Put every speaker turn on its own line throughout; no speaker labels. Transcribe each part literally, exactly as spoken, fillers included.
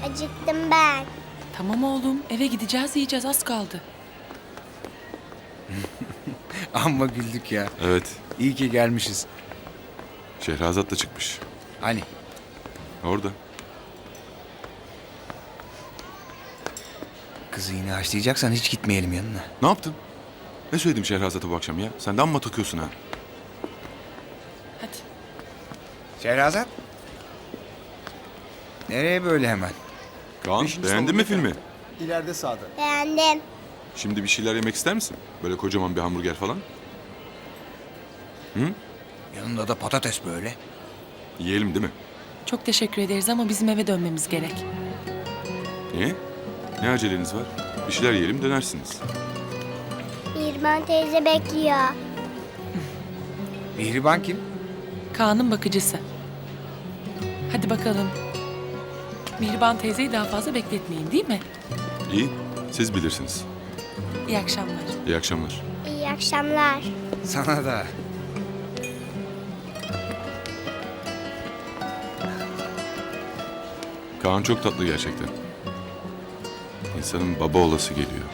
Acıktım ben.
Tamam oğlum, eve gideceğiz, yiyeceğiz, az kaldı.
Amma güldük ya.
Evet.
İyi ki gelmişiz.
Şehrazat da çıkmış.
Hani?
Orada.
Kızı yine haşlayacaksan hiç gitmeyelim yanına.
Ne yaptın? Ne söyledim Şehrazat'a bu akşam ya? Sen de amma takıyorsun ha.
Hadi.
Şehrazat? Nereye böyle hemen?
Kaan,
Beşinci
beğendin mi
salonda
filmi?
İleride sağda.
Beğendim.
Şimdi bir şeyler yemek ister misin? Böyle kocaman bir hamburger falan.
Yanında da patates böyle.
Yiyelim değil mi?
Çok teşekkür ederiz ama bizim eve dönmemiz gerek.
Niye? Ne aceleniz var? Bir şeyler yiyelim dönersiniz.
Mirman teyze bekliyor.
Mihriban kim?
Kaan'ın bakıcısı. Hadi bakalım. Mihriban teyzeyi daha fazla bekletmeyin, değil mi?
İyi, siz bilirsiniz.
İyi akşamlar.
İyi akşamlar.
İyi akşamlar.
Sana da.
Kaan çok tatlı gerçekten. İnsanın baba olası geliyor.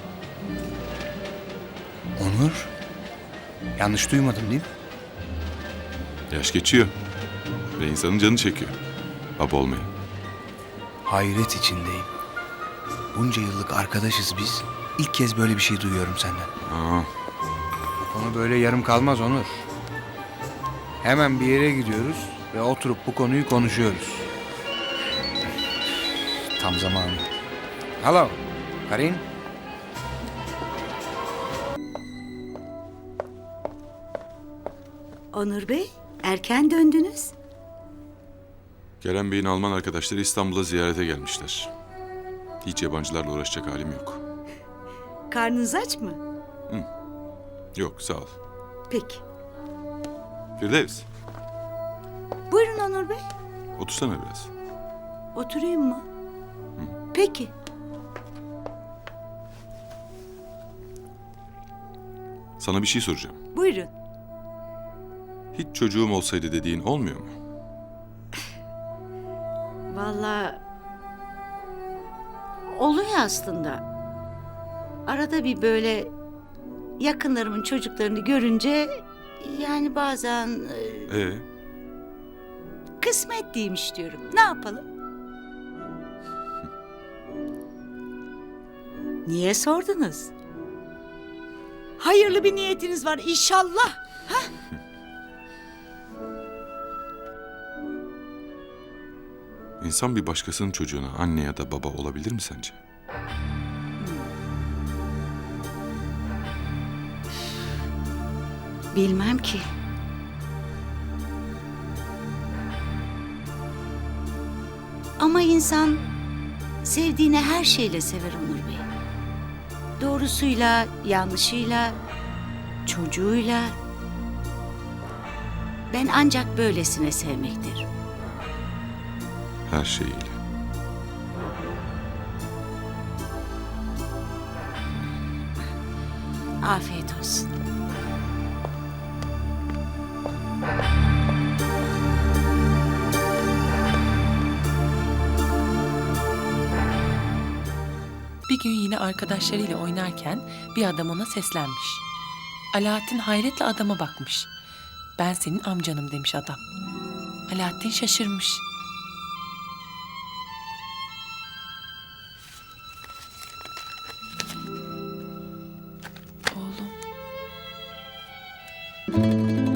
Onur? Yanlış duymadım değil mi?
Yaş geçiyor. Ve insanın canı çekiyor. Baba olmayı.
Hayret içindeyim. Bunca yıllık arkadaşız biz. İlk kez böyle bir şey duyuyorum senden.
Aa,
Bu konu böyle yarım kalmaz Onur. Hemen bir yere gidiyoruz ve oturup bu konuyu konuşuyoruz. Tam zamanı. Hello, Karin.
Onur Bey, erken döndünüz.
Kerem Bey'in Alman arkadaşları İstanbul'a ziyarete gelmişler. Hiç yabancılarla uğraşacak halim yok.
Karnınız aç mı?
Yok, sağ ol.
Peki.
Firdevs,
Buyurun Onur Bey.
otursana biraz.
Oturayım mı? Peki.
Sana bir şey soracağım.
Buyurun.
Hiç çocuğum olsaydı dediğin olmuyor mu?
Vallahi oluyor aslında. Arada bir böyle yakınlarımın çocuklarını görünce yani bazen e,
Ee,
kısmet değilmiş diyorum. Ne yapalım? Niye sordunuz? Hayırlı bir niyetiniz var inşallah.
insan bir başkasının çocuğuna anne ya da baba olabilir mi sence?
Bilmem ki. Ama insan sevdiğini her şeyle sever Onur Bey. Doğrusuyla, yanlışıyla, çocuğuyla. Ben ancak böylesine sevmektir.
Her şeyiyle.
Afiyet olsun.
Bir gün yine arkadaşlarıyla oynarken bir adam ona seslenmiş. Alaaddin hayretle adama bakmış. Ben senin amcanım demiş adam. Alaaddin şaşırmış. Oğlum.